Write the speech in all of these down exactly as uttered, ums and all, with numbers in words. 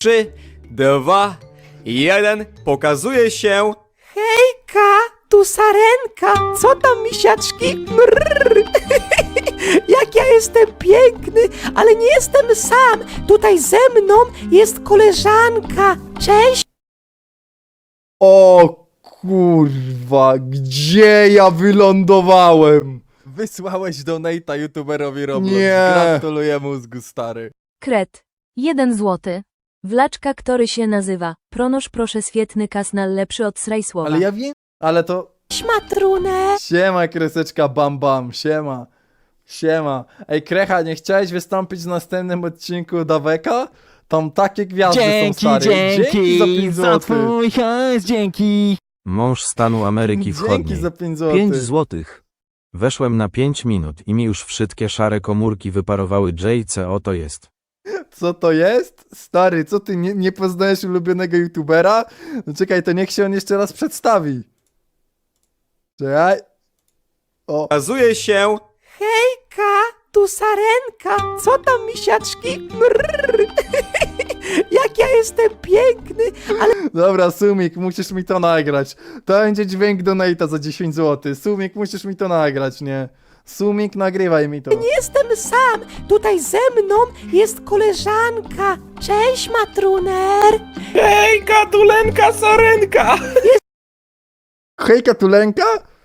Trzy, dwa, jeden. Pokazuje się. Hejka, tu Sarenka. Co tam, misiaczki? Mrrr. Jak ja jestem piękny, ale nie jestem sam. Tutaj ze mną jest koleżanka. Cześć. O kurwa, gdzie ja wylądowałem? Wysłałeś donate'a youtuberowi Roblox. Nie. Gratuluję mózgu, stary. Kret. Jeden złoty. Wlaczka, który się nazywa. Pronosz proszę świetny kasnal lepszy od srajsłowa. Ale ja wiem, ale to... Matruner. Siema, kreseczka bam bam, siema. Siema. Ej, Krecha, nie chciałeś wystąpić w następnym odcinku Daweka? Tam takie gwiazdy są, Dzięki, stary. dzięki, za pięć za złotych. twój hajs, dzięki. Mąż stanu Ameryki Dzięki Wschodniej. za pięć złotych. pięć złotych. Weszłem na pięć minut i mi już wszystkie szare komórki wyparowały. J C, oto jest. Co to jest? Stary, co ty, nie, nie poznajesz ulubionego youtubera? No czekaj, to niech się on jeszcze raz przedstawi. Czekaj. O, Pokazuje się. Hejka, tu Sarenka. Co tam, misiaczki? Mrrr. Jak ja jestem piękny, ale dobra, Sumik, musisz mi to nagrać. To będzie dźwięk donate'a za dziesięć złotych. Sumik, musisz mi to nagrać, nie? Sumik, nagrywaj mi to. nie jestem sam. Tutaj ze mną jest koleżanka. Cześć, Matruner. Hejka, tulenka, sarenka! Hejka, tulenka?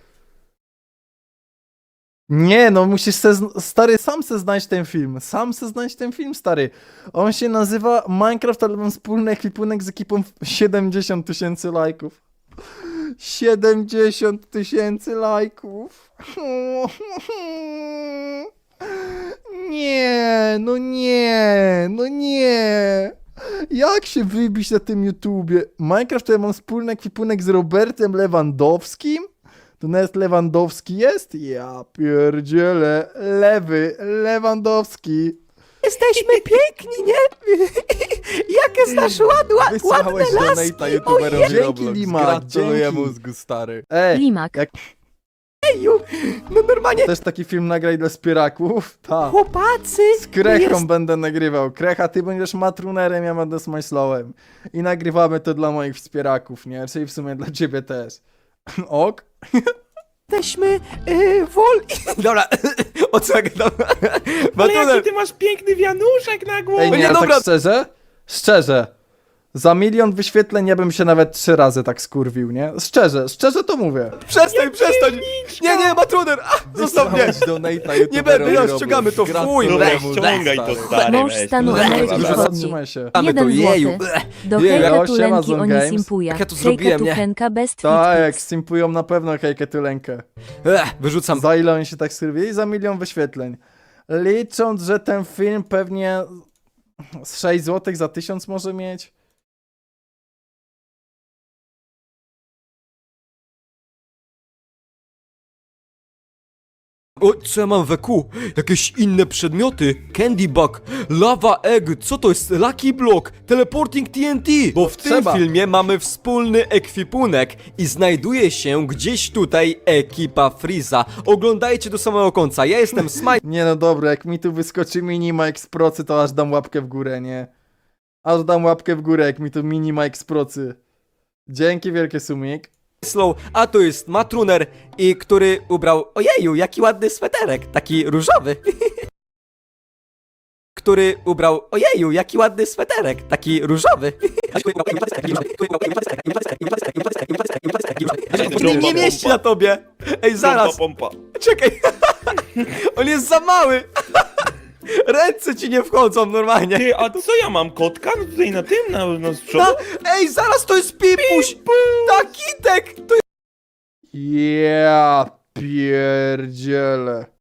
Nie, no musisz se, zn- stary, sam se znaleźć ten film. Sam se znaleźć ten film, stary. On się nazywa Minecraft, ale mam wspólny ekwipunek z ekipą w siedemdziesiąt tysięcy lajków. siedemdziesiąt tysięcy lajków. Nie, no nie, no nie. Jak się wybić na tym YouTubie? Minecraft to ja mam wspólny ekwipunek z Robertem Lewandowskim? To nawet Lewandowski jest? Ja pierdzielę. Lewy, Lewandowski. Jesteśmy piękni, nie? Jakie znasz ład, ład, ładne Wysłałeś laski. donate'a youtuberowi Dzięki, Roblox. Limak, Gratuluję dzięki. mózgu, stary. Ej, Limak. jak Ojeju, no normalnie, też taki film nagraj dla wspieraków? Tak. chłopacy. Z Krechą jest- będę nagrywał. Krecha, ty będziesz matrunerem, ja będę smajslowem. I nagrywamy to dla moich wspieraków, nie? Czyli w sumie dla ciebie też. Ok? Jesteśmy yy, wolni. Dobra, o co ja gadam? Ale jaki Matuner. ty masz piękny wianuszek na głowie! Ej, nie, nie, ale dobra. tak szczerze? Szczerze. Za milion wyświetleń ja bym się nawet trzy razy tak skurwił, nie? Szczerze, szczerze to mówię. Przestań, przestań. Nie, nie, Matruner. A, zostaw mnie. Wysłałeś donate'a youtuberowi Nie będę, ja Roblox. ściągamy to w chuj. Gratuluję Weź, mózgu, ściągaj to, stary, Mąż weź. stanu Dobra, Ameryki dobra. Dobra, Wschodniej. zatrzymaj się. Mamy to, Jeden jeju. złoty. Do Jeju, hejka siema, tulenki Zone oni Games. simpuja. Jak ja to Hejka zrobiłem, nie? tuchenka best Tak, jak fit simpują na pewno hejkę tylenkę. Ech, wyrzucam. Za ile oni się tak skurwili? Za milion wyświetleń. Licząc, że ten film pewnie z sześć złotych za tysiąc może mieć. O, co ja mam we kół? Jakieś inne przedmioty? Candy Bug, Lava Egg, co to jest? Lucky Block, Teleporting T N T. Bo w tym Trzeba. filmie mamy wspólny ekwipunek i znajduje się gdzieś tutaj ekipa Freeza. Oglądajcie do samego końca. Ja jestem Smite. Nie no dobra, jak mi tu wyskoczy Minimike z procy, to aż dam łapkę w górę, nie? Aż dam łapkę w górę, jak mi tu Minimike z procy. Dzięki wielkie, Sumik. Slow, a tu jest Matruner, i który ubrał, ojeju, jaki ładny sweterek, taki różowy. Który ubrał, ojeju, jaki ładny sweterek, taki różowy. Nie, nie mieści na tobie. Ej, zaraz, Pompa, pompa. czekaj. On jest za mały. Ręce ci nie wchodzą normalnie. Ty, a co ja mam, kotka? No tutaj na tym, na, na z przodu? Ta, ej, zaraz, to jest Pipuś. Takitek, to Ja pierdzielę.